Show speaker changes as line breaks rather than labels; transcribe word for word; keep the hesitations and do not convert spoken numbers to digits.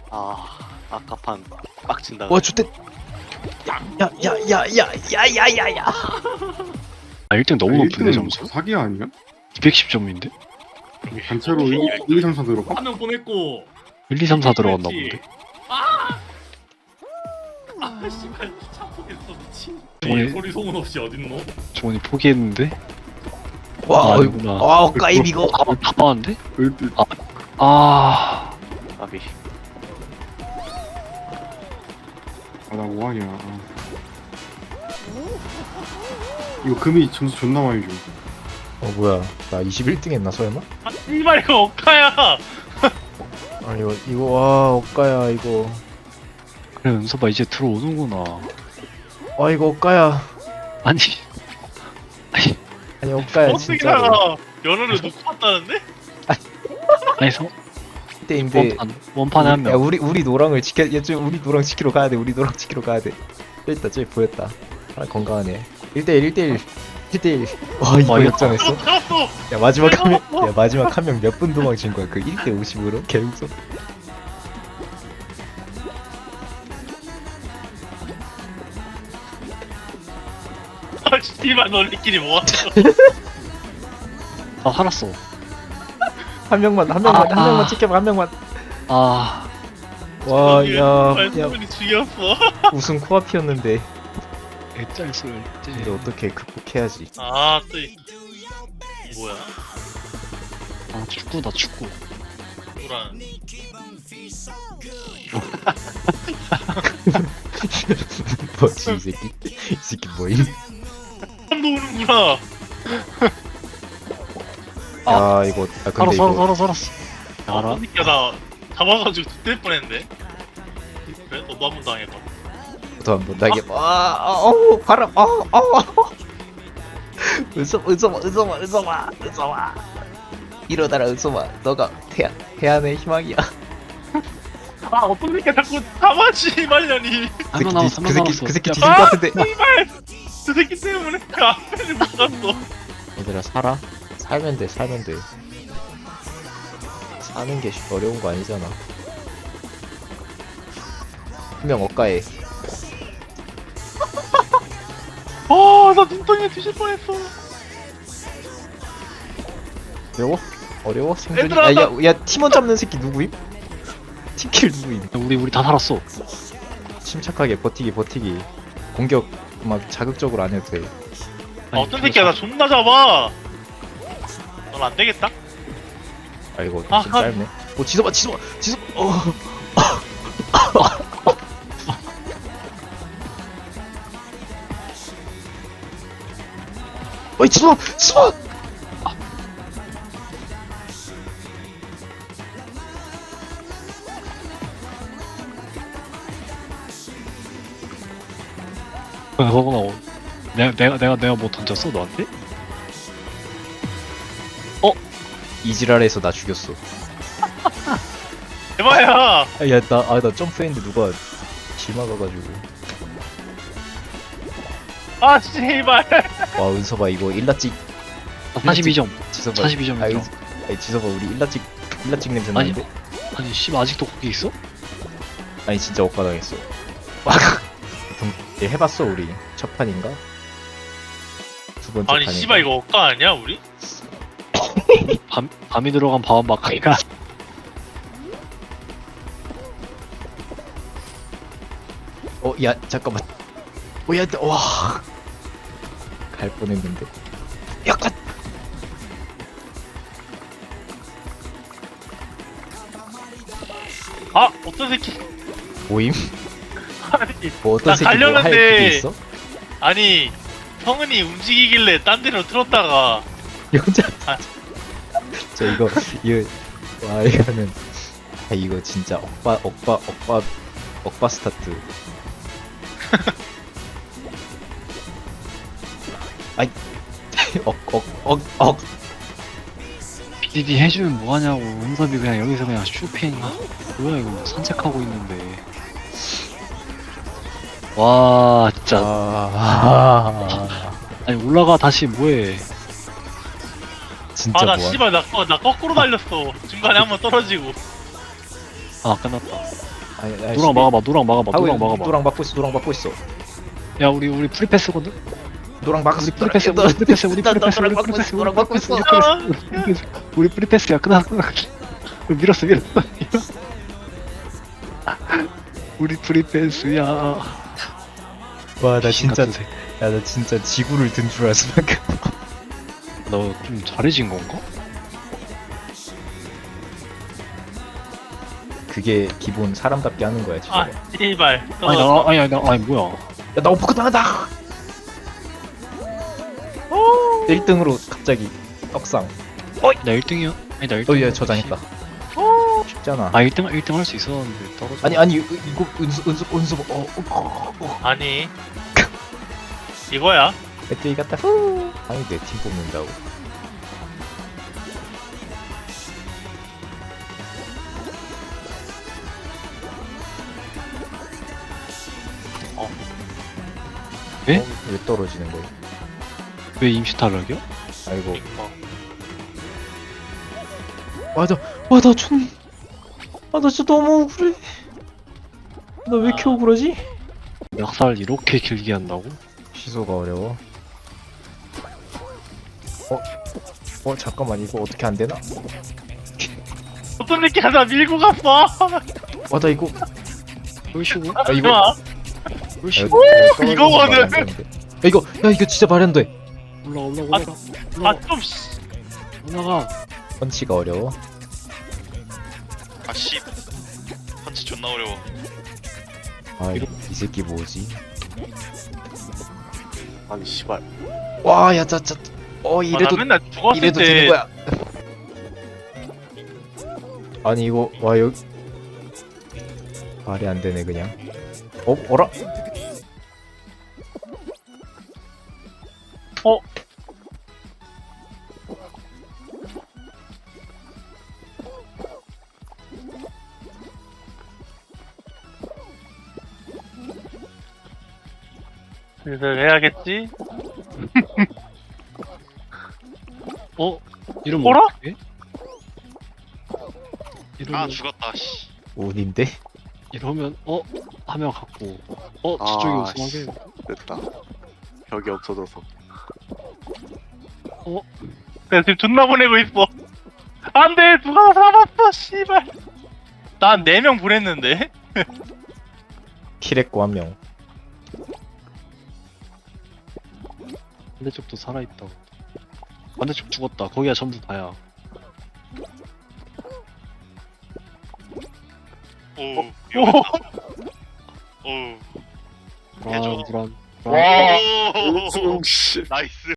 아 아까판 빡친다.
와 주택. 야야야야야야야야야.
아 일 등 너무
아,
높은데
일 등은
점수?
사기 아니야?
이백십 점인데?
단체로 일, 이, 삼, 사 들어가?
한 명 보냈고.
일, 이, 삼, 사 들어갔나
그랬지.
본데?
아! 아 씨발 참포겠어 미친.
저번에-
이 소리 소문 없이 어딨노?
주원이 포기했는데?
와
아,
어이구.
아니구나.
와 엇가임 이거.
다, 다 빠는데?
일 등.
아...
아비.
아, 나 뭐하냐. 아. 이거 금이 점수 존나 많이 줘.
어 뭐야? 나 이십일 등 했나 설마?
아 씨발 이거 억가야.
아 이거 이거 와 엇가야 이거.
그래 은서봐 이제 들어오는구나.
와 이거 엇가야.
아니
아니 엇가야
어떻게
진짜로.
살아? 연어를 놓고 왔다는데?
아니 성
때인데.
원판 원판에 한
야
명.
우리 우리 노랑을 지켜. 야 좀 우리 노랑 지키러 가야 돼. 우리 노랑 지키러 가야 돼. 저기 있다 저기 보였다. 아 건강하네. 일 대 일 일 대 일 일 대 일. 와 이거
이거
역전했어.
잡았어.
야 마지막 한 명. 야 마지막 한 명 몇 분 도망친 거야? 그 일 대 오십으로 개웃어.
아 씨발 너네끼리 뭐하냐?
아 살았어.
한 명만 한 명만
아,
한 명만
아.
지켜봐 한 명만.
아...
와야야
말소문이 죽였어.
우승 코앞이었는데
개짤술
이제 어떻게 극복해야지.
아또 뭐야?
아 축구다 축구.
누구랑?
뭐지 이 새끼 이 새끼 뭐임?
한 오는구나.
아 이거 아 근데
살았어
이거
살았어 살았어. 알아?
그러니까 나 잡아가지고 죽될 뻔했는데. 그래? 너도 한 번 당해봐.
또 한번 나게 아어우 바람 아어 은서 은서마 은서마 은서마 은서마 이러다라 은서마 너가 태안 태안의 희망이야.
아 어떤 새끼 자꾸 잡아지 말려니.
그 새끼
남았어,
뒤- 그 새끼
남았어.
그 새끼
야,
뒤질 것 같은데.
씨발 저 새끼 때문에 그 앞에를 못 갔어.
얘들아 살아 살면 돼 살면 돼 사는 게 어려운 거 아니잖아. 분명 억가해.
아나 눈덩이에 뒤질 뻔했어.
어려워? 어려워? 생존이?
얘들아,
야, 야, 야 팀원 잡는 새끼 누구임? 팀킬 누구임?
야, 우리 우리 다 살았어.
침착하게 버티기 버티기. 공격 막 자극적으로 안 해도 돼.
아 어떤 새끼야 나 존나 잡아. 넌 안 되겠다.
아 이거
아,
좀
아.
짧네. 오 지소봐 지소봐 지소. 어. 어이 지소 지소.
그거구나. 내가 내가 내가 내가 뭐 던졌어 너한테?
이지랄에서 나 죽였어.
대박이야.
야나 아 나 점프했는데 누가 길 막아가지고.
아 씨발.
와 은서봐 이거 일라찍
아, 사십이 점.
지서봐.
사십이 점
아이,
인정.
아이 지서봐 우리 일라찍 일라찍 냄새
아니.
나는데.
아니 씨 아직도 거기 있어?
아니 진짜 억까당했어. 보통 얘 해봤어 우리 첫 판인가? 두 번째
아니
판인가?
씨발 이거 억까 아니야 우리?
밤 밤이 들어간 밤은 막하니까.
어, 야 잠깐만. 어, 야, 와, 갈 뻔했는데. 약간.
아 어떤 새끼.
모임?
아니
뭐 어떤
나
새끼 뭐할
갈렸는데.
그게 있어?
아니 성은이 움직이길래 딴 데로 틀었다가
이 혼자.
아.
저 이거 이거 와 이거는 아 이거 진짜 억바 억바 억바 억바 스타트. 아이 억억억억
피디디 해주면 뭐하냐고. 은섭이 그냥 여기서 그냥 쇼핑. 아, 뭐야 이거 산책하고 있는데. 와 진짜.
아,
아니 올라가 다시 뭐해.
진짜
아 나
뭐야?
씨발 나, 거- 나 거꾸로 달렸어. 중간에 한번 떨어지고.
아 끝났다.
아니, 아니,
노랑 막아봐 노랑 막아봐
하고
노랑
있-
막아봐.
노랑 막고 있어. 노랑 막고 있어.
야 우리 우리 프리패스거든.
노랑 막았어.
우리 프리패스 우리 프리패스 우리
나- 나
프리패스
노랑
우리
막고
프리패스
있어. 노랑 막고 있어.
우리 프리패스 우리 프리패스야 끝나 끝나. 밀었어 밀었어. 우리 프리패스야.
와, 나 진짜,
같은 새끼.
야, 나 진짜 지구를 든 줄 알았어 방금.
너좀 잘해진 건가?
그게 기본 사람답게 하는 거야 진짜.
아 씨발.
아니 나 아니 아니 나 아니 뭐야?
야, 나 오퍼컷 당한다. 일 등으로 갑자기 떡상.
나 일 등이야? 아니 나 일 등.
어, 얘 저장했다. 쉽잖아.
아 일 등 일 등 할 수 있었는데 떨어져.
아니 아니 이거 이거 은수 은수 은수 어, 어, 어.
아니 이거야.
배터리 갔다 후. 아니 내 팀 뽑는다고.
예?
어, 왜 떨어지는 거야?
왜 임시 탈락이야?
아이고.
이거.
맞아. 와나 좀. 아나 진짜 너무 억울해. 나 왜 이렇게
아.
억울하지?
약살 이렇게 길게 한다고?
취소가 어려워. 어? 어 잠깐만 이거 어떻게 안 되나?
어떤 새끼 하나 밀고 갔어.
와 나 이거
그러시고
아 이거
좋아.
그러시고
이거거든.
야 이거 야 이거 진짜 말이 안 돼.
올라 올라 올라 올라
아좀
올라가.
펀치가 어려워.
아씨 펀치 존나 어려워.
아 이 새끼 뭐지?
아니 씨발.
와 야 짜짜. 어
아, 나
이래도
맨날 죽었을
이래도
때
되는 거야. 아니 이거 와 여기 말이 안 되네 그냥. 어 어라?
어? 슬슬 해야겠지?
어? 이러면
어라?
어떡해?
아
이러면
죽었다. 씨.
운인데?
이러면 어? 한 명 갖고 어?
아,
저쪽이
씨.
우승하게
됐다. 벽이 없어져서.
내가 지금 존나 보내고 있어. 안돼 누가 잡았어 씨발. 난 네 명 보냈는데.
킬했고 한 명.
반대쪽도 살아있다. 반대쪽 죽었다. 거기가 전부 다야.
오.
오.
오.
불안
해줘.
불안.
오.
씨.
나이스.